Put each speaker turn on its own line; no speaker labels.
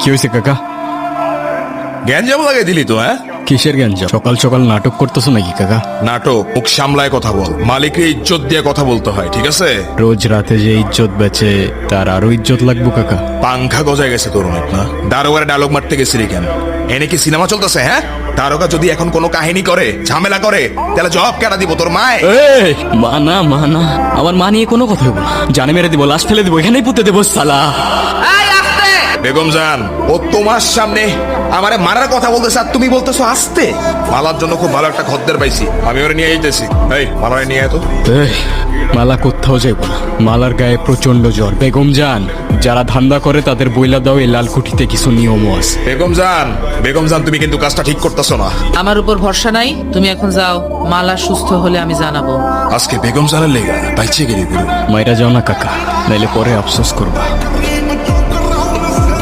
কি হয়েছে কাকা?
গ্যাঞ্জাম লাগাই দিলি তো, হ্যাঁ?
কিসের গ্যাঞ্জাম? সকাল সকাল নাটক করতেছো নাকি কাকা?
নাটক মুখ সামলায় কথা বল, মালিকের ইজ্জত দিয়ে কথা বলতে হয়, ঠিক আছে?
রোজ রাতে যে ইজ্জত বেচে তার আরো ইজ্জত লাগবো কাকা।
পাংখা গজায় গেছে তোর অনেক না? দারোগারে ডায়লগ মারতে গেছিলি কেন? এনে কি সিনেমা চলতেছে, হ্যাঁ? দারোগা যদি এখন কোনো কাহিনী করে, ঝামেলা করে, তাহলে জবাব কেটা দিব তোর মায়?
এই মানা মানা, আমার মা নিয়ে কোনো কথা বলবো না। জানে মেরে দিব, লাশ ফেলে দিব, এখানেই পুঁতে দেবো সালা।
বেগম জান, ও তোমার সামনে আমারে মারার কথা বলতেছে আর তুমি বলতেছো আসতে? মালার জন্য খুব ভালো একটা খদ্দের পাইছি, আমি ওরে নিয়ে যেতেছি। এই মালারে নিয়ে আয় তো।
এই মালা কোথাও যাইব না, মালার গায়ে প্রচন্ড জ্বর। বেগম জান, যারা ধান্দা করে তাদের বইলা দাও, এই লালকুঠিতে কিছু নিয়মও আছে।
বেগম জান তুমি কিন্তু কাজটা ঠিক করতেছো না।
আমার উপর ভরসা নাই, তুমি এখন যাও। মালা সুস্থ হলে আমি জানাবো।
আজকে বেগম জানের লেগা বাইচে গেলি গুরু।
মাইরা যাও না কাকা, নাইলে পরে আফসোস করবা।